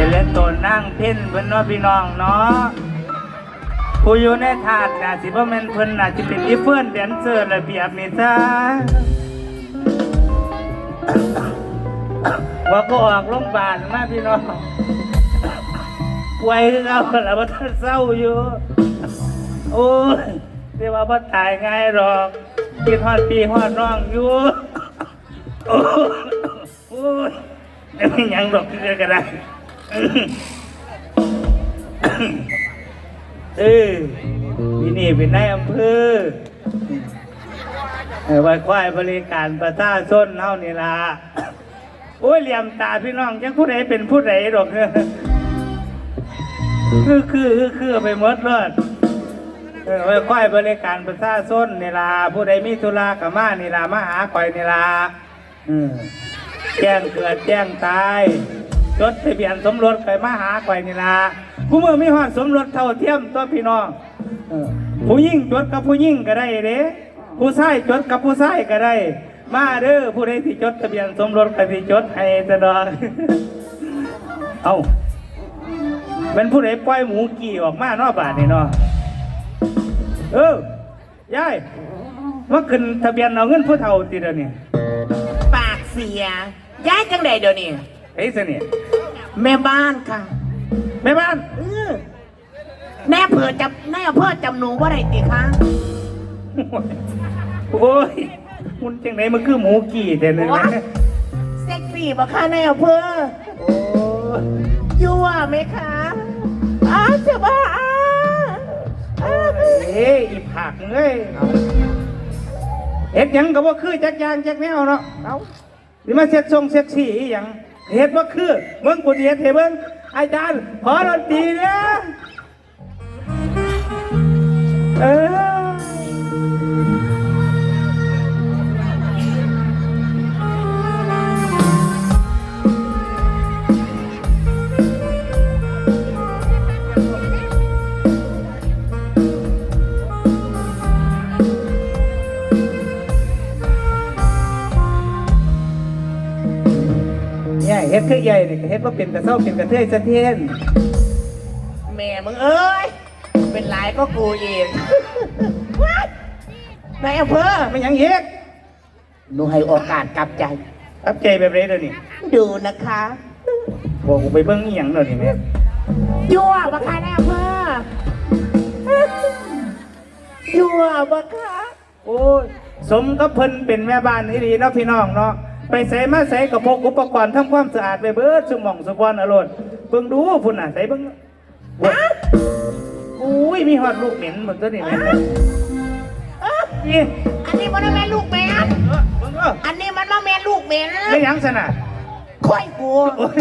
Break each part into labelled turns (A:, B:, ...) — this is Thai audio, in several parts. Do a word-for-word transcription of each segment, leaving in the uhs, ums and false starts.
A: เป็นเล่นตัวนั่งเพ่นเพิ่นเนาะพี่น้องเนาะผู้อยู่ในถาดน่ะสิบ่แม่นเพิ่นน่ะสิเป็นอีเฟิร์นแดนเซอร์ระเบียบนี่จ้าว่าก็ออกโรงพยาบาลมาพี่น้องป่วยคือเอาแล้วบ่ทันเศร้าอยู่โอ้ยแต่ว่าบ่ตายง่ายหรอกคิดฮอดพี่ฮอดน้องอยู่โอ้ยไม่มีหยังหรอกที่จะกระไรเออที่นี่เป็นนายอำเภอไว้ควายบริการประชาชนเท่านี่ล่ะโอ้ยเหลี่ยมตาพี่น้องยังผู้ใดเป็นผู้ใดหรอกเนี่ยคือคือคือคือไปหมดเลยไว้ควายบริการประชาชนนี่ล่ะผู้ใดมีธุระกับมานี่ล่ะมาหาข่อยนี่ล่ะแจ้งเกิดแจ้งตายจดทะเบียนสมรสไปมาหาข่อยนี่ล่ะผู้เมื่อมีหอดสมรสเท่าเทียมตัวพี่น้องผู้ยิ่งจดกับผู้ยิ่งก็ได้เด้ผู้ชายจดกับผู้ชายก็ได้มาเด้อผู้ใดที่จดทะเบียนสมรสก็ที่จดให้ตลอดเอ้าเป็นผู้ใดปล่อยหมูกี่ออกมานอกบ้านนี่เนาะเออยายว่าขึ้นทะเบียนเอาเงินผู้เฒ่าติเดี๋ยวนี้
B: ปากเสียย้ายจังใดเดี๋ยวนี้
A: ไอ้เสนี่ย
B: แม่บ้านค่ะ
A: แม่บ้าน
B: เออแม่เผื่อจับแม่เพื่อจำหนูว่าไรติคะ
A: โอ้ยมันจังไหนมันคือหมูกี่แต่เลยนะ
B: เซ็กซี่ปะคะแม่เพื่อ
A: โอ้
B: ยั่วไหมคะอ้าจะบ้าอ้า
A: เอ้ยอีผักเอ้ยเฮ็ดยังก็ว่าคือจักยางจักแนวเนาะเอาดิมาเซ็กซงเซ็กซี่อีหยังเฮ็ดว่าคือเบิ่งกูสิเฮ็ดให้เบิ่งอาจารย์ขอดนตรีเนี่ยเออเฮ็ดคือใหญ่เนี่ยเฮ็ดว่าเป็นกระเซ้าเป็นกระเทยสะเทียน
B: แม่มึงเอ้ยเป็นหลายก็กูเองนายอำเภอ
A: ไม่ยังเฮ็ด
B: หนูให้โอกาสกลับใจ
A: กลับใจแบบไรเดี๋ยวนี้
B: ดูนะคะ
A: บอกกูไปเบิ้งอีหยังเดี๋ยวนี้แม่
B: ยั่วบักค่ะนายอำเภอยั่วบักค่ะ
A: โอ้ยสมกับเพิ่นเป็นแม่บ้านที่ดีเนาะพี่น้องเนาะไปใส่มาใส่กับพกอุปกรณ์ทำความสะอาดไปเบิดสมองสมบัติอรรถเบิ่งดูพุ่นน่ะใส่เบิ่งอุ้ยมีหอดลูกเหม็นเหมือนตัวนี้เลย
B: นี่อันนี้มันไม่แม่ลูกเหม็นอันนี้มันมาแม่ลูกเหม็น
A: ไม่ยังสนะ
B: ค่อยกู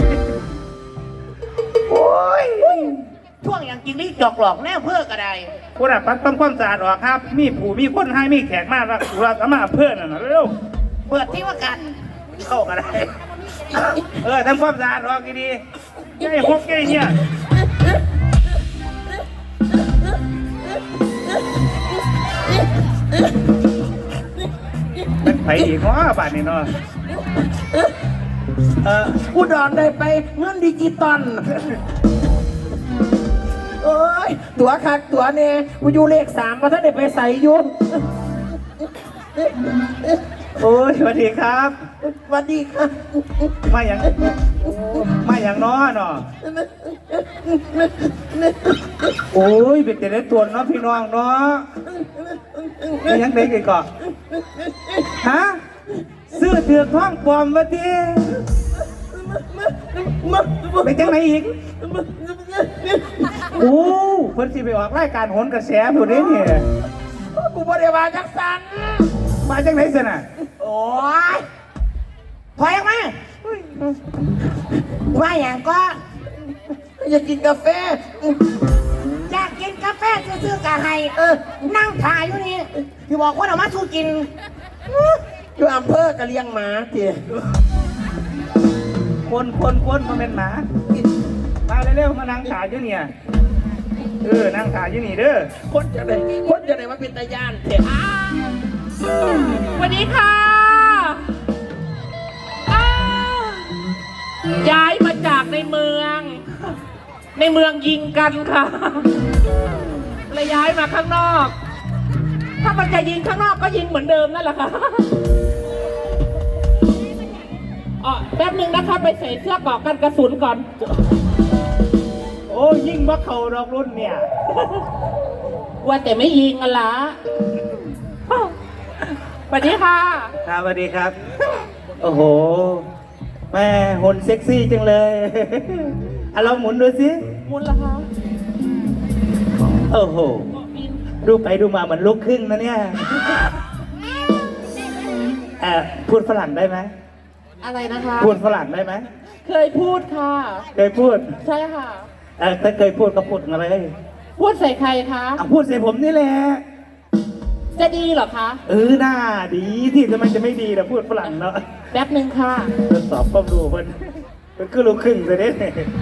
B: โอ้ยช่วงอย่างจริงนี่จอกหลอกแน่เพื่อกระได
A: พุ่นน่ะปัดทำความสะอาดออกครับมีผู้มีคนให้มีแขกมากแล้วเราสามารถเพื่อนน่ะเร็ว
B: เปิดที่ว่ากัน
A: เข้ากันได้เออทำความสะอาดออกดีๆไอ้พวกแกเนี่ยมันไปอีกเพราะบ้านนี่เนาะ
B: เออกูดอนได้ไปเงินดิจิตอลโอ้ยตัวคักตัวเนี่ยกูอยู่เลขสามมาถ้าได้ไปใส่ยุ่น
A: โอ้ยสวัสดีครับ
B: สวัสดีครับ
A: มาอย่างมาอย่างน้อเนาะโอ้ยเป็นแต่ละตัวเนาะพี่น้องเนาะมาอย่างเด็กอีกก่อนฮะซื้อเถือกท้องปลอมมาทีไปจังไหนอีกโอ้เพิ่นสิไปออกรายการโหนกระแสผู้นี้เนี่ย
B: กูบ่ได้มาจักสัน
A: มาจังไหนสิน่ะ
B: โอ้ยพอยังมาว่าอย่างก็อยากกินกาแฟอยากกินกาแฟซื้อกาไฮเออนั่งถ่ายอยู่นี่ที่บอกว่าเรามาสู้กินอยู่อำเภอกะเลียงหมาที
A: คนคนคนมาเป็นหมามาเร็วๆมานั่งถ่ายอยู่เนี่ยเออนั่งถ่ายอยู่นี่เด้อ
B: คนจะไหนคนจะไหนมาเป็นตาย่านเถอะ
C: สวัสดีค่ะย้ายมาจากในเมืองในเมืองยิงกันค่ะเลยย้ายมาข้างนอก ถ้ามันจะยิงข้างนอกก็ยิงเหมือนเดิมนั่นแหละค่ะอ๋อแป๊บนึงนะคะไปใส่เสื้อเกราะกันกระสุนก่อน
A: โอ้ยิ่งว่าเขาดอกรุ่นเนี่ย
C: ว่าแต่ไม่ยิงอะล่ะสวัสดีค่ะ
A: ครับสวัสดีครับ โอ้โห แม่หุ่นเซ็กซี่จังเลย อ่ะลองหมุนดูสิ
C: มุนละคะ
A: โอ้โห ดูไปดูมาเหมือนลูกครึ่งนะเนี่ยเอ่อพูดฝรั่งได้ไหม
C: อะไรนะคะ
A: พูดฝรั่งได้ไหม
C: เคยพูดค่ะ
A: เคยพูด
C: ใช่ค่ะ
A: เออถ้าเคยพูดก็พูดมาเลย
C: พูดใส่ใครคะ
A: อ่ะพูดใส่ผมนี่แหละ
C: จะดีเหรอคะ
A: เออหน้าดีที่ทำไมจะไม่ดีนะพูดฝรั่งเนาะ
C: แป๊บหนึ่งค่ะ
A: ทดสอบความรู้เพิ่นเพิ่นคือลูกครึ่งเลยเด้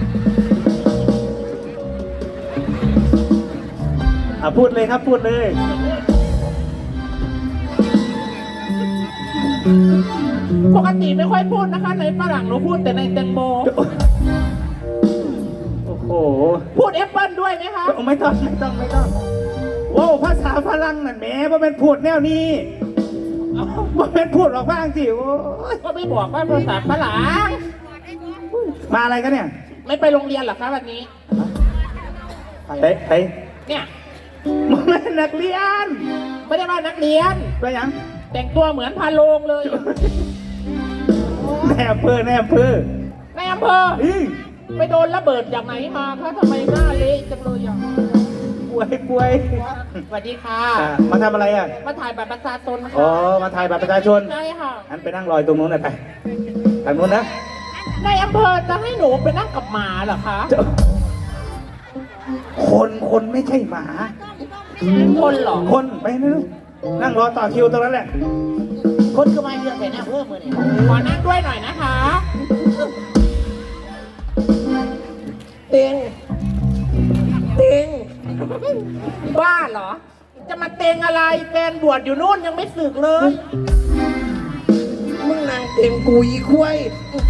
A: อ่ะพูดเลยครับพูดเลย
C: ปกติไม่ค่อยพูดนะคะ ในฝรั่งหนูพูดแต่ในแตงโม
A: โอ้โห
C: พูดแอปเปิลด้วยไหมคะ
A: ไม่ต้องไม่ต้องไม่ต้องโว้ภาษาฝรั่งนั่นแหมว่าเป็นพูดแนวนี้ว่าเป็นพูดออกบ้างสิโอ้ย
C: ก็ไม่บอกว่าภาษาฝรั่ง
A: มาอะไรกันเนี่ย
C: ไม่ไปโรงเรียนเหรอคะวันนี้
A: ไปไป
C: เนี่ย
A: มันเป็นนักเรียน
C: ไม่ได้ว่านักเรียน
A: ไปยัง
C: แต่งตัวเหมือนพาโลงเลย
A: แนอำเภอแนอำเภอ
C: ในอำเภอ
A: อี
C: ไปโดนระเบิดจากไหนมาคะทำไมหน้าเละจังเลยอ่ะ
A: ป่วยป่วย
C: สวัสดีค่ะ
A: อ่ะมาทำอะไรอ่ะ
C: มาถ่ายบัตรประชาชนนะ
A: อ๋อ
C: คะ
A: มาถ่ายบัตรประชาชน
C: ใช่ค่ะ
A: อันไปนั่งรอยตรงนู้นหน่อยไปทางนู้นนะ
C: ในอำเภอจะให้หนูไปนั่งกับหมาเหรอคะ
A: คนคนไม่ใช่หมา
C: คนเหรอ
A: คนไปนั่งนั่งรอต่อคิวตรงนั้นแหละ
B: คนก็มาเยอะแต่หน้าเพิ่มมือเนี่ย
C: ขอนั่งด้วยหน่อยนะคะ
B: เต็งเต็ง
C: บ้าเหรอ จะมาเตงอะไรแฟนบวชอยู่นู่นยังไม่สึกเลย
B: มึงนางเต็งกูอีควาย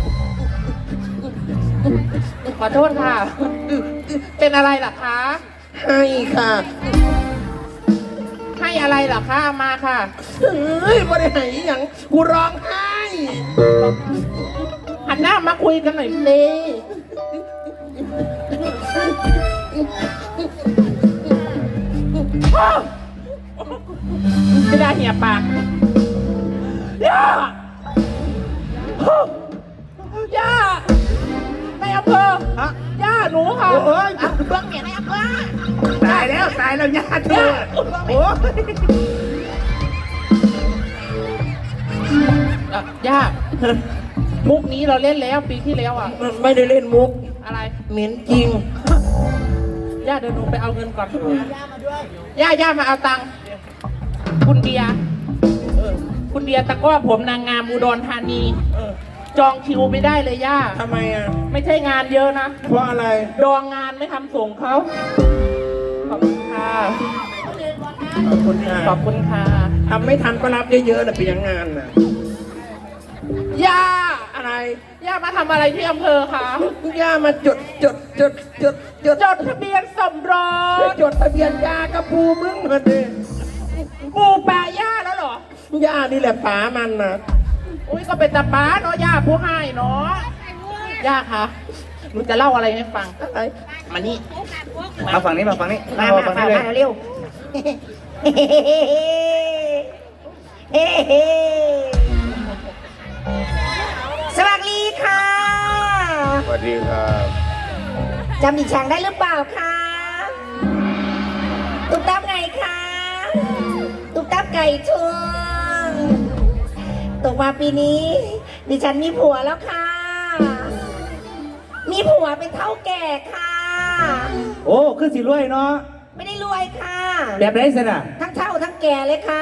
C: ขอโทษค่ะ เป็นอะไรล่ะคะ
B: ให้ค่ะ
C: ให้อะไรล่ะคะเอามาค่ะ
B: เฮ้ยไม่ได้ให้อหย่างกูร้องไห้
C: หันหน้ามาคุยกันหน่อยสิ จะได้เหี่ยปากย่าย่าในอำเภอ
A: ฮะ
C: ย่าหนูค่ะ
A: โอ้ย
B: เบื้องเนี่ยในอำเภอ
A: ตายแล้วตายแล้วญาติเธอโอ้ย
C: อ่ะย่า มุกนี้เราเล่นแล้วปีที่แล้วอ่ะ
B: ไม่ได้เล่นมุก
C: อะไร
B: เหม็นจริง
C: ย่าเดินลงไปเอาเงินก่อนย่าย่ามาเอาตังค์คุณเดียเออคุณเดียตะกร้อผมนางงามอุดรธานี
B: เออ
C: จองคิวไม่ได้เลยย่า
B: ทำไมอ่ะ
C: ไม่ใช่งานเยอะนะ
B: เพราะอะไร
C: ดองงานไม่ทำส่งเขาขอบคุณค่ะ
B: ขอบคุณค่ะ
C: ขอบคุณค่ะ
B: ทำไม่ทันก็รับเยอะๆนะเป็นยังงานน่ะ
C: ย่า
B: อะไร
C: ย่ามาทำอะไรที่อำเภอคะ
B: ย่ามาจดจดจดจดจด
C: จดทะเบียนสมรส
B: จดทะเบียนยากระปูมึงมาดิ
C: ปูแปะย่าแล้วเหรอย่
B: านี่แหละป๋ามันนะ
C: อุ้ยก็เป็นตาป้าเนาะย่าผู้ให้เนาะย่าคะหนูจะเล่าอะไรให้ฟัง
B: อะไร
C: มานี่
A: มาฝั่งนี้มาฝั่งนี้
B: มา
A: มา
B: มา
A: ฝั่ง
B: มา
A: นี้เลย
B: มาเร็วเฮ้เฮ้สวัสดีค่ะ
D: สวัสดีครับ
B: จำดิฉันได้หรือเปล่าคะตุ๊กตาไงคะตุ๊กตาไก่ชนตกมาปีนี้ ดิฉันมีผัวแล้วค่ะ มีผัวเป็นเท่าแก่ค่ะ
A: โอ้คือสิรวยเนาะ
B: ไม่ได้รวยค่ะ
A: แบบไรสินะ
B: ทั้งเท่าทั้งแก่เลยค่ะ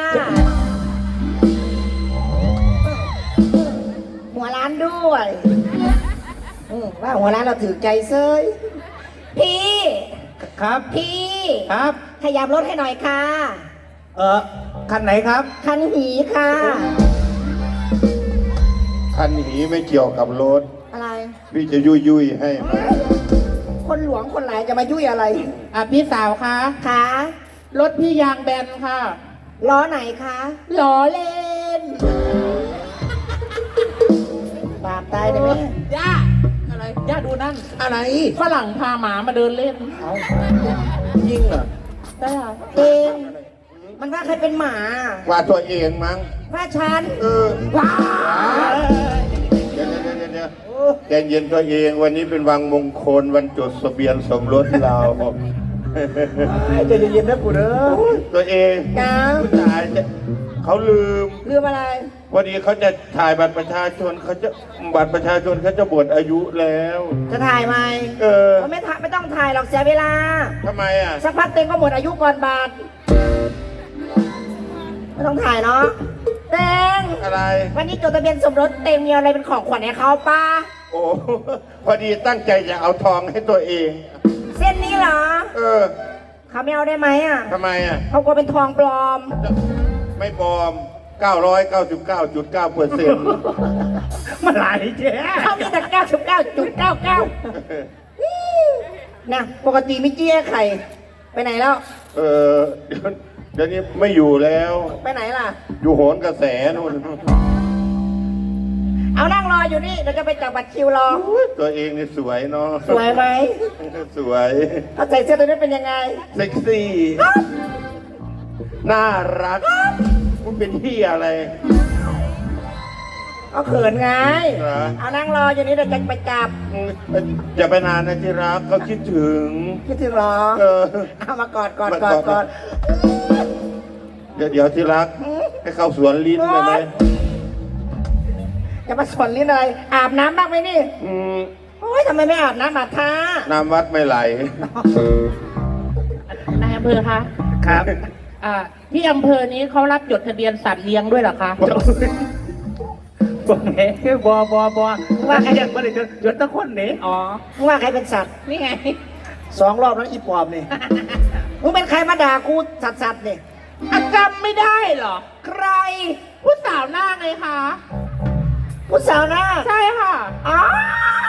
B: หัวร้านด้วยอืมว่าหัวร้านเราถือใจเซยพี่
A: ครับ
B: พี่
A: ครับ
B: ขยับรถให้หน่อยค่ะ
A: เออคันไหนครับ
B: คันหีค่ะ
D: คันหีไม่เกี่ยวกับรถ
B: อะไร
D: พี่จะยุยยุยให้
B: คคนหลวงคนหลายจะมายุ่ยอะไร
C: อ่ะพี่สาวคะ
B: คะ
C: รถพี่ยางแบนค่ะ
B: ล้อไหนคะ
C: ล้อเล่น
B: บาปตายได้ไหม
C: ย่าอะไรย่าดูนั่น
B: อะไร
C: ฝรั่งพาหมามาเดินเล่น
B: ยิงเหรอ
C: ได้ค่ะ
B: เองมันว่าใครเป็นหมา
D: ว่าตัวเองมั้ง
B: ว่าฉัน
D: เออ
B: ว้า
D: เดี๋ยวเดี๋ยวเดี๋ยวเดี๋ยวใจเย็นตัวเองวันนี้เป็นวันมงคลวันจดทะเบียนสมรสเรา
B: ใจเย็นๆนะกูเด้อ
D: ตัวเอง
B: จ้า
D: ผู้ชายจะเขาลืม
B: ลืมอะไร
D: วันนี้เขาจะถ่ายบัตรประชาชนเขาจะบัตรประชาชนเขาจะหมดอายุแล้ว
B: จะถ่ายไหม
D: เออ
B: มันไม่ถ่ายไม่ต้องถ่ายหรอกเสียเวลา
D: ทำไมอ่ะ
B: สักพักเต็งก็หมดอายุก่อนบาทไม่ต้องถ่ายเนาะเต็ง
D: อะไร
B: วันนี้จดทะเบียนสมรสเต็งมีอะไรเป็นของขวัญให้เขาป้า
D: โอ้พอดีตั้งใจจะเอาทองให้ตัวเอง
B: เส้นนี้เหรอ
D: เออ
B: เขาไม่เอาได้ไหมอ่ะ
D: ทำไมอ่ะ
B: เขากลัวเป็นทองปลอม
D: ไม่ปลอม เก้าร้อยเก้าสิบเก้าจุดเก้าเปอร์เซ็นต์
A: มันหลายแจ๊
B: เขามีแต่เก้าสิบเก้าจุดเก้าเก้านะปกติไม่เจี้ยไข่ไปไหนแล้ว
D: เออเดี๋ยวเดี๋ยวนี้ไม่อยู่แล้ว
B: ไปไหนล่ะ
D: อยู่โหนกระแสนู่น
B: เอานั่งรออยู่นี่เดี๋ยวจะไปจับบัตรคิวรอ
D: ตัวเองนี่สวยเนาะ
B: สวยไหม
D: สวย
B: เขาใส่เสื้อตัวนี้เป็นยังไง
D: เซ็กซี่ น่ารักมันเป็นที่อะไร
B: เอาเขินไง
D: เหรอ
B: เอานั่งรออยู่นี่เดี๋ยวจะไปจับ
D: อย่าไปนานนะที่รักเขาคิดถึง
B: คิดถึงเหรอ
D: เออ
B: เอามากอดกอด
D: มาก ก
B: อ
D: อ
B: ด
D: ด
B: กอด
D: เดี๋ยวเดี๋ยวที่รัก ให้เข้าสวนลิ้นได้ไหม
B: จะมาสอนลิ้นอะไร อาบน้ำบ้างไหมนี่
D: อืม
B: โอ้ยทำไมไม่อาบน้ำอาบท่า
D: น้ำวัดไม่ไหล
C: นายอำเภอคะ
A: ครับ
C: อ่าที่อำเภอนี้เขารับจดทะเบียนสัตว์เลี้ยงด้วยเหรอคะ
A: บอกไงคือบอบอบอว่าใครอยากมาเลยจนจนตะคนนี่
C: อ๋อ
B: มึงว่าใครเป็นสัตว์
C: นี่ไง
B: สองรอบแล้วอีปอบนี่ มึงเป็นใครมาด่ากูสัตว์สัตว์นี่
C: อาจำไม่ได้เหรอ
B: ใคร
C: ผู้สาวหน้าไงคะ
B: ผู้สาวหน้า
C: ใช่ค่ะ
B: อ้าว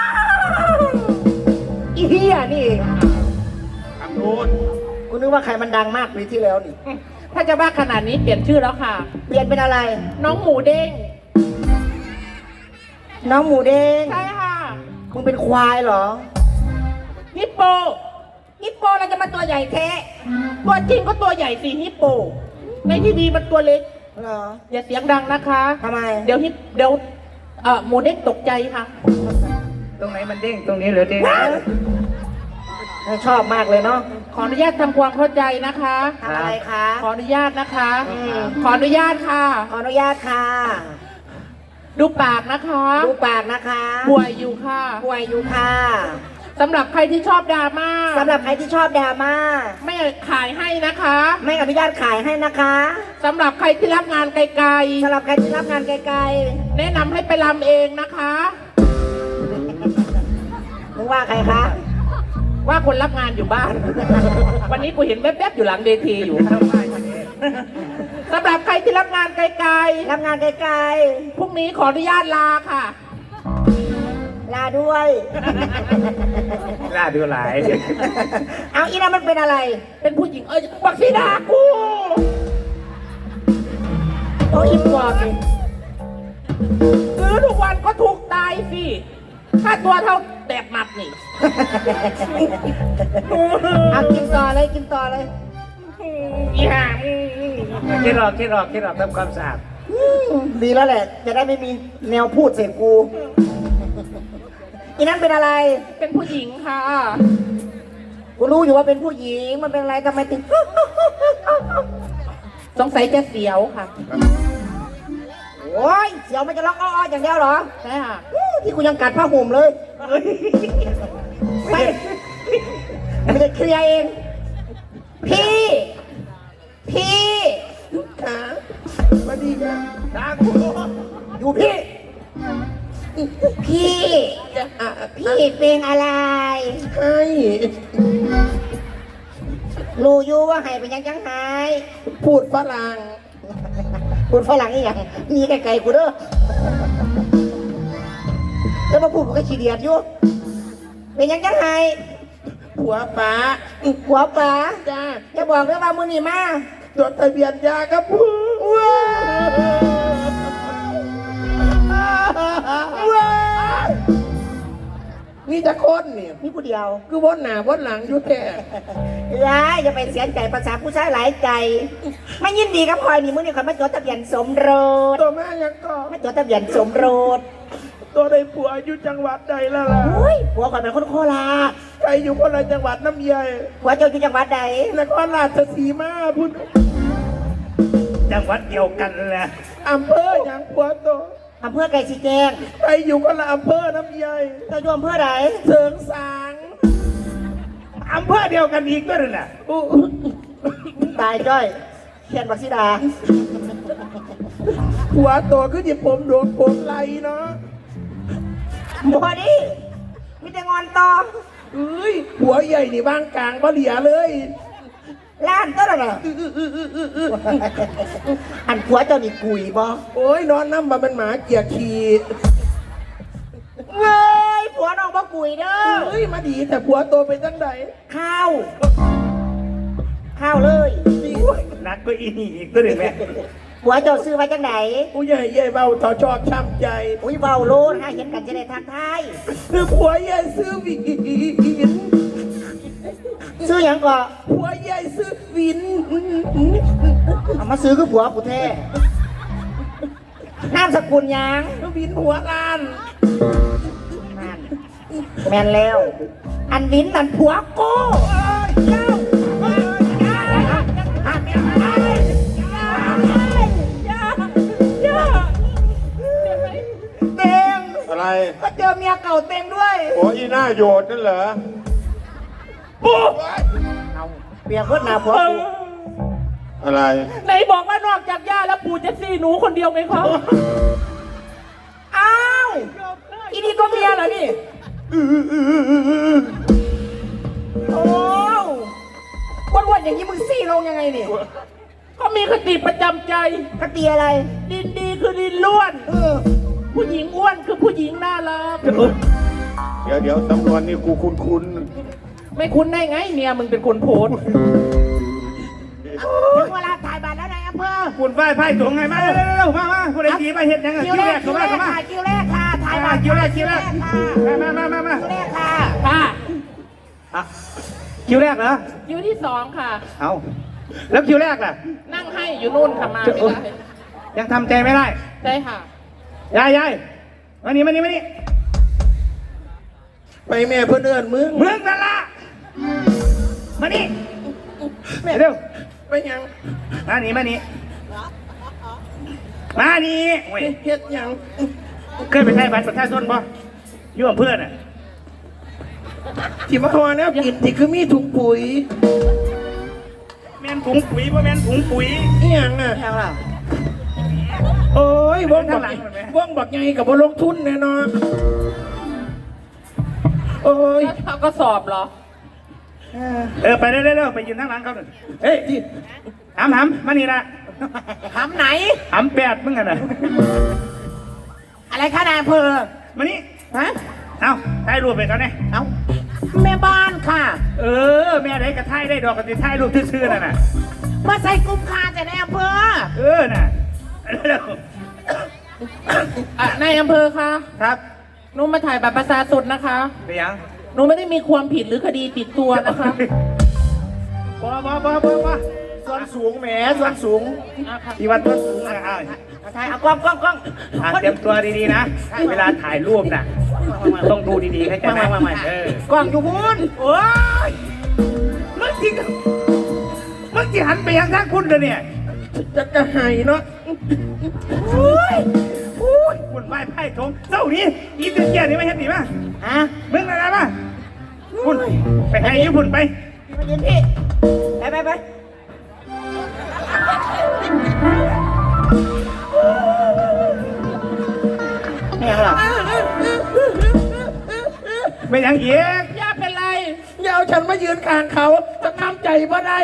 B: อีเหี้ยนี่เอง
D: ทางนู้น
B: กูนึกว่าใครมันดังมากปีที่แล้วนี่
C: ถ้าจะว่าขนาดนี้เปลี่ยนชื่อแล้วค่ะ
B: เปลี่ยนเป็นอะไร
C: น้องหมูเด้ง
B: น้องหมูเด้ง
C: ใช่ค่ะ
B: มึงเป็นควายเหรอ
C: ฮิปโป
B: ฮิปโปเราจะมาตัวใหญ่แท้
C: ตัวจริงก็ตัวใหญ่สิฮิปโป ในทีวีมันตัวเล็ก
B: เหรอ
C: อย่าเสียงดังนะคะ
B: ทำไม
C: เดี๋ยวฮิปเดี๋ยวเอ่อหมูเด้งตกใจค่ะ
A: ตรงไหนมันเด้งตรงนี้เหรือเด้ง
B: ชอบมากเลยเนาะ
C: ขออนุญาตทำความเข้าใจนะคะ
B: ทำอะไรคะ
C: ขออนุญาตนะคะ
B: อืม
C: ขออนุญาตค่ะ
B: ขออนุญาตค่ะ
C: ดูปากนะคะ
B: ดูปากนะคะ
C: ป่วยอยู่ค่ะ
B: ป่วยอยู่ค่ะ
C: สำหรับใครที่ชอบดราม่า
B: สำหรับใครที่ชอบดราม่า
C: ไม่ขายให้นะคะ
B: ไม่อนุญาตขายให้นะคะ
C: สำหรับใครที่รับงานไกล
B: สำหรับใครที่รับงานไกล
C: ๆ แนะนำให้ไปรำเองนะคะ
B: ๆมึงว่าใครคะ
C: ว่าคนรับงานอยู่บ้าน วันนี้กูเห็นแวบๆอยู่หลังเวทีอยู่สำหรับใครที่รับงานไกล
B: รับงานไกล
C: ๆพรุ่งนี้ขออนุญาตลาค่ะ
B: ๆลาด้วย
A: น่าดูหลาย
B: เอาอีน่ะมันเป็นอะไร
C: เป็นผู้หญิงเอ้ยบักซีดากู
B: โอ้อิมบอกนี่
C: ซื้อทุกวันก็ถูกตายสิค่าตัวเท่าแตกหมัดนี่
B: เอากินต่อเลยกินต่อเลย
C: อีห่า
A: คิดหรอกคิดหรอกคิดหรอกทำความสะอาด
B: อืมดีแล้วแหละ จะได้ไม่มีแนวพูดเสกกู อีนั่นเป็นอะไร
C: เป็นผู้หญิงค่ะ
B: กูรู้อยู่ว่าเป็นผู้หญิง มันเป็นอะไรทำไมถึง
C: สงสัยจะเสียวค่ะ
B: โอ้ยเสียวมันจะร้องอ้อๆอย่างเดียวเหรอ
C: ใช่ค่ะ
B: อู้ที่กูยังกัดผ้าห่มเลยไม่ไม่ได้เคลียร์เอง พี่ พี่ขาสวัสดีค่ะ
A: ด่ากู
B: อยู่พี่ พี่อ่ะพี่เป็นอะไรให้รู้อยู่ว่าให้เป็นยังจังหายพูดฝรั่งพูดฝรั่งอีหยังมีไกลๆกูเด้อแล้วมาพูดกูก็ขี้เดียดอยู่เป็นยังจังหายผัวป๋า
E: หัวป๋า
B: จ้า
E: จะบอกเลยว่ามือนี่มา
B: จดทะเบียนยาครับผัวว้าวนี่จะคนนี่
E: มีผู้เดียว
B: คือวนหน้าวนหลังอยู่แท้
E: ร้ายจะไปเสียใจภาษาผู้ชายหลายใจไม่ยินดีกับพลอยนี่มือนี่คนมาจดทะเบียนสมรส
B: ตัวแม่ยังก็
E: มาจดทะเบียนสมรส
B: ตัวได้ผัวอยู่จังหวัดใดแล้วล่ะ
E: โอ้ยผัวก่อนเป็นคนโคราช
B: ใครอยู่คนละจังหวัดน้ำใหญ่
E: ผัวเจ้าอยู่จังหวัดใด
B: นครราชสีมาพุ่น
A: จังหวัดเดียวกันแหละ
B: อำเภออย่างผัวโต
E: อำเภอไก่สีแจง
B: ใครอยู่คนละอำเภอน้ำใหญ่
E: เจ้าอยู่อำเภอใด
B: เสริงสาง
A: อำเภอเดียวกันอีกด้วยน่ะ
B: อู้
E: ตายจ้อยเขียนบักซิดา
B: ผัวโตคือจิผมโดนผมไหลเนาะ
E: บอดี้มีแต่งอนต่อ
B: เอ้ยผัวใหญ่นี่บ้างกลางบ่เหลียเลย
E: ล้านก็แล้วน่ะอันผัวเจ้านี่กุยบ่
B: โอ้ยนอนน้ำมาเป็นหมาเกียร์ขีด
E: เว้ยผัวน้องบ่กุยเด้อ
B: เฮ้ยมาดีแต่ผัวโตไปจังใด
E: ข้าวข้าวเลย
B: นี่
A: นักก็อีนี่อีกตัวหนึ่งแม่
E: ผัวเจ้าซื้อมาจังไหน
B: ผู้ใหญ่ใหญ่เบาต่อชอบช้ำใจ
E: อุ้ยเบาโลดฮะเห็นกันจะได้ทักทาย
B: คือผัวใหญ่ซื้อวิน
E: ซื้อหยังก่อ
B: ผัวใหญ่ซื้อวิน
E: เอามาซื้อคือผัวกูแท้นามสกุลหยัง
B: วินหัวล้าน
E: นั่นแม่นแล้ว อันวินนั่นผัวกูเจ้าเต็ง
D: อะไร
E: ก็เจอเมียเก่าเต็งด้วย
D: โอ้อีหน้าโยดนั่นเหรอ
E: เอาเปรียบเพื่อนหนาผัวกู
D: อะไร
C: ไหนบอกว่านอกจากย่าแล้วปู่จะซี่หนูคนเดียวไงครับ
E: อ้าวอีนี่ก็เมียเหรอนี่โอ้วันๆอย่างนี้มึงซี่ลงยังไงนี่
C: ก็มีคติประจำใจ
E: กระเตียอะไร
C: ดินดีคือดินล้วน
E: เออ
C: ผู้หญิงอ้วนคือผู้หญิงน่ารัก
D: เดี๋ยวเดี๋ยวสำนวนนี่กูคุ้นคุ้น
C: ไม่คุ้นได้ไงเมียมึงเป็นคนโพสต์
E: ถึงเวลาถ่ายบัตรแล้วนายอำเภอ
A: ปุ่นไฟไพ่ถุงไงมาเร็วๆมามาผู้ใดดีมาเห็ดยังไง
E: คิว
A: คิว
E: แร
A: แร
E: ก
A: ก
E: คิ
A: เข้าว
E: แร
A: มาก เข้ามา
E: ค่ะคิวแรกค่ะถ่ายบั
A: อ่า
E: ตร
A: คิวแรกคิวแรก
E: ค่ะ
A: มามามามา
E: คิวแรกค่ะ
C: ค่ะ
A: อ่ะคิวแรกเหรอ
C: คิวที่สองค่ะ
A: เอาแล้วคิวแรกล่ะ
C: นั่งให้อยู่นู่นค่ะมาไม่ได้
A: ยังทำใจไม่ได้
C: ใช่ค่ะ
A: ยายยายมานี่มานี่มานี่
B: ไปแม่เพื่อนเอินมึง
A: เมืองนั่นละมานี่เร็ว
B: ไปยัง
A: มานี่มานี่มานี่โอ้ย
B: เฮ็ดยัง
A: เคยไปใช้บัตรประชาชนป่ะอยู่กับเพื่อนอ่ะ
B: ที่มาทอแล้วกินที่คือมีถุงปุ๋ย
A: แมนถุงปุ๋ยป่ะแมนถุงปุ๋ย
B: นี่ยังอ่ะ
E: ยังล่ะ
B: โอ้ยวงบัก
A: ข้างหลังเห็นไหม
B: วงบักไงกับบลงทุนแน่นอนโอ้ย
C: แล้วเขาก็สอบเหรอ
A: เออไปเร็วๆไปยืนข้างหลังเขาหน่อยเฮ้ยหำหำมานี่ละ
E: ถามไหน
A: หำแปดมึงกันนะ
E: อะไรคะนายอำเภอ
A: มานี่
E: ฮะ
A: เอาถ่ายรูปไปเขาเนี่ย
E: เอาแม่บ้านค่ะ
A: เออแม่ได้กระถ่ายได้ดอกกระติถ่ายรูปซื่อๆน่ะน่ะ
E: มาใส่กุมคาแต่นายอำเภอ
A: เออน่ะเร็ว
C: อ่ะนายอำเภอคะ
A: ครับ
C: หนูมาถ่ายบัตรประชาชนนะคะ
A: ไปยัง
C: หนูไม่ได้มีความผิดหรือคดีติดตัวนะคะ
A: บอบอบอบอบอ
B: ส่วนสูงแหมส่วนสูง
C: อ่ะค่ะ
A: อีวันต้นสูงอ่ะอ้าว
E: เอาถ่ายเอากล้องกล้องกล้อง
A: อ่ะเตรียมตัวดีๆนะ เวลาถ่ายรูปน่ะ ต้องดูดีๆเข้าใจไหมเออก
E: ล้องอยู่พูน
A: โอ้ยมึงจริงมึงจีหันไปยังทางคุณเลยเนี่ย
B: จะกระหายเนาะ
A: โอ้ยโอ้ยคุณไหว้ไพ่ทงเจ้านี้อีตัวเกียร์นี่ไม่เห็นดีมั้ย
E: ฮะ
A: มึงอะไรมาคุณไปให้ญี่ปุ่นไป
E: มายืนพี่ไปไปไปไม่ยังหรอ
A: ไม่ยังเอียก
C: ย่าเป็นไร
B: อย่าเอาฉันมายืนข้างเขาจะทำใจบ่ได้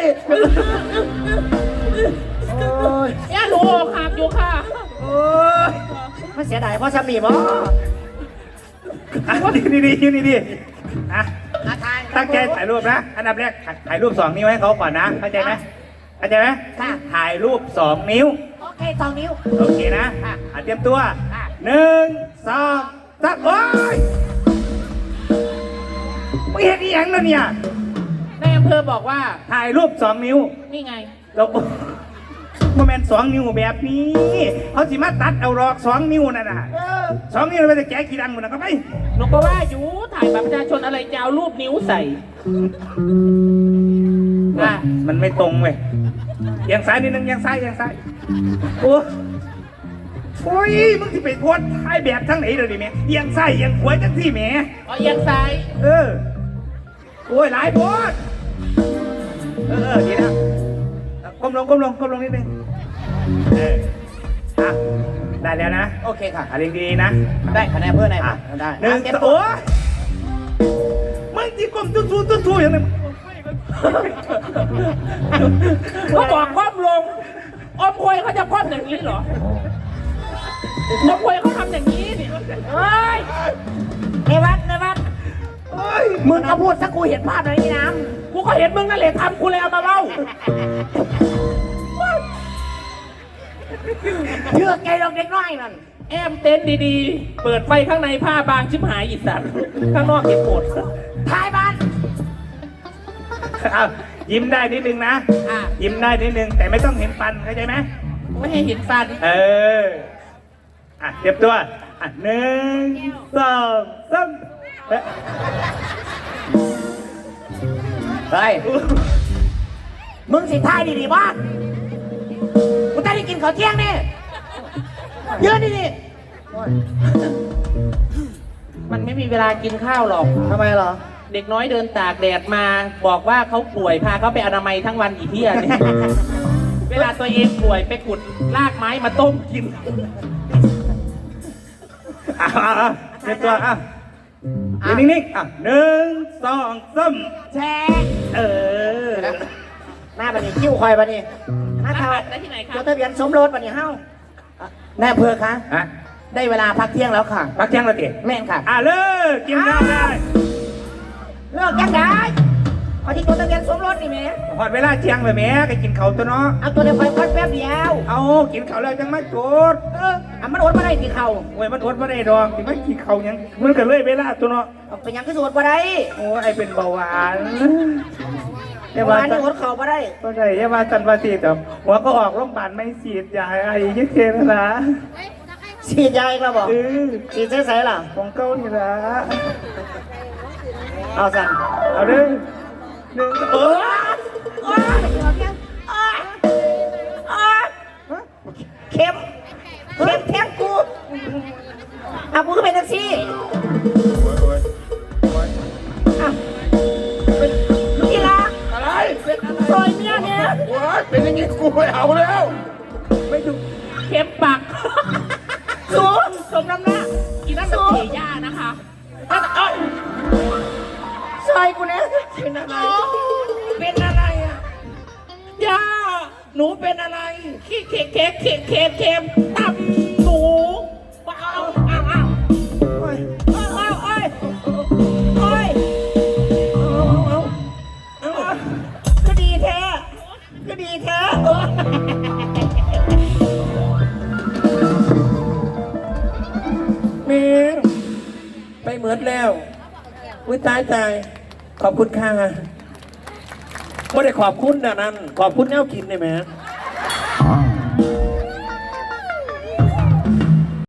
C: ย่าหนูอกหักอยู่ค่ะ
A: โอ้ย
E: มันเสียดายเพราะสามีบ่
A: อ่ะดีดีดีดีดีอ่ะ
E: อาทาย
A: ตั้งใจถ่ายรูปนะอันดับแรกถ่ายรูปสองนิ้วให้เขาก่อนนะเข้าใจไหมเข้าใจไหมถ่ายรูปสองนิ้ว
B: โอเคสองนิ้ว
A: โอเคนะอ่ะเตรียมตัวหนึ่งสองสามโอ้ยไม่เห็นอีหยังแล้วเนี่ย
C: ในอำเภอบอกว่า
A: ถ่ายรูปสองนิ้ว
C: นี่ไง
A: แล้วโมเมนต์สองนิ้วแบบนี้เขาสิมาตัดเอาหรอกสองนิ้วนั่นน่ะสองนิ้วมันจะแกะกี่ดังหมดนะก็ไป
C: หนูก็ว่าอยู่ถ่ายบัตรประชาชนอะไรจะเอารูปนิ้วใส่อ่ะ
A: มันไม่ตรงเว้ยเอียงซ้ายนิดนึงเอียงซ้ายเอียงซ้ายโอ้โอ้ยมึงที่ไปโพสถ่ายแบบทั้งไหนเลยดิแม่เอียงซ้ายเอียงขวาจังที่แม่
C: เอาเอียงซ้าย
A: เออโอ้ยหลายโพสเออเออดีนะก้มลงก้มลงก้มลงนิดนึงเอออ่ะได้แล้วนะ
B: โอเคค่ะ
A: อะไรดีๆนะ
B: ได้คะแนนเพื่อนไหน
A: อ่ะ
B: ได้
A: หนึ่ง
B: เตรียม
A: โอ้ยมึงจีกลมตุ้ทูตุ้ทูอย่างนี้
C: เขาบอกคว่ำลงอมควยเขาจะคว่ำอย่างนี้เหรออมควยเขาทำอย่างนี้นี่เฮ้ย
B: ในวัดในวัด
A: เฮ้ย
B: มึงก็พูดสักกูเห็นภาพหน่อยนี่น้
C: กูก็เห็นมึงนั่นแหละทำกูเลยเอามาเล่า
B: ำเชื่อแกลองเด็กน้อยนั่น
C: แอมเต้นดีๆ เปิดไฟข้างในผ้าบางชิบหายอีสัตว์ข้างนอกเก็บหมด
B: ท้ายบ้าน
A: เอายิ้มได้นิดนึงนะ
C: อ่ะ
A: ยิ้มได้นิดนึงแต่ไม่ต้องเห็นฟันเข้าใจไหม
C: ไม่ให้เห็นฟัน
A: เอออ่ะเตรียมตัวอ่ะหนึ่งสองสามเอ๊ะ
B: เฮ้ยมึงสิท้ายดีๆบ้านกูจะได้กินข้าวเที่ยงนี่ยืนดี
C: มันไม่มีเวลากินข้าวหรอก
B: ๆทำไมเหรอ
C: เด็กน้อยเดินตากแดดมาบอกว่าเขาป่วยพาเขาไปอนามัยทั้งวันอีเที่ยเนี่ย เวลาตัวเองป่วยไปขุดรากไม้มาต้มกิน
A: อ่ะอ่ะอ่ะเตรียมตัวอ่ะยืนนิ่งๆอ่ะหนึ่งสองสาม
B: แชร์
A: เออ
B: หน้าบันนี้คิ้วคอยบันนี้หน้าเทา
C: ได้ที่ไหนคะ
B: จดทะเบียนสมรสบันนี้เฮ้าแน่อำเภอคะ
A: อ่ะ
B: ได้เวลาพักเที่ยงแล้วค่ะ
A: พักเที่ยงแล้วเตี๋ย
B: แม่นค่ะ
A: อ่ะเลิกกินข้าวได้
B: เลิกยังได้พอที่จดทะเบียนสมรสนี่แม่
A: พอดเวลาเที่ยงเลยแม่ก็กินข้าวตัวเนาะ
B: เอาตัวเดียวคอยพักแป๊บเดียว
A: เอากินข้าวแล้วจังมาโจด
B: เอออ่ะมันอดมาได้ที่เขา
A: โอ้ยมันอดมาได้ดอกที่ไม่กินข้าวหยังมันก็เลยเวลาตัวเนาะ
B: เอาไปยังก็สวดมาได้
A: โอ้ยไอเป็นเบาหวานอย่า
B: วั
A: ว่าน จั
B: นี้
A: น
B: อดเขามาได้
A: ก็ได้อย่าว่าจันวาสีแต่หัวก็ออกโรงพยาบาลไม่ฉีดยาไอ้ยี่เทนะนะ
B: ฉีดยาอีกแล้วบอก
A: เออ
B: ฉีดใส่ๆล่ะ
A: ของเก้านี่ละ
B: เอาสั่น
A: เอาเด้อหนึ่งเออ
B: โอ๊ยโอ๊ยโอ๊ยโอ๊ยเข็มเข็มแทงกูอ่ะกูก็เป็นแท็กซี่
D: โอ้ยโอ้ยโอ้ย
B: อ่ะเป็นลูกกีฬา
D: อะไร
B: ซอยเมียเนี่ย
D: โอ้ยเป็นอย่างนี้กูไม่เอาแล้ว
C: ไม่ดูเข็มปัก
B: สูง
C: สมน้ำหน้าอีนั่นเป็นเทย่านะคะอ่ะเอ้ย
B: ซอยกูเนี่ยเป็นอะไรเป็นอะไรอ่ะ
C: ย่าหนูเป็นอะไรขี้เค็มเค็มเค็มเค็มเค็มตำหนูว้าวอ้าวอ้าว
B: โอ้ยโอ้ยโอ้ยโอ้ยโอ้ยเอาเอาเอาก็ดีแท้ก็ดีแท้
C: เมงไปเหมือนแล้วอุ้ยตายตายขอบคุณค่ะไม่ได้ขอบคุณนะนั่นขอบคุณแนวกินได้ไหม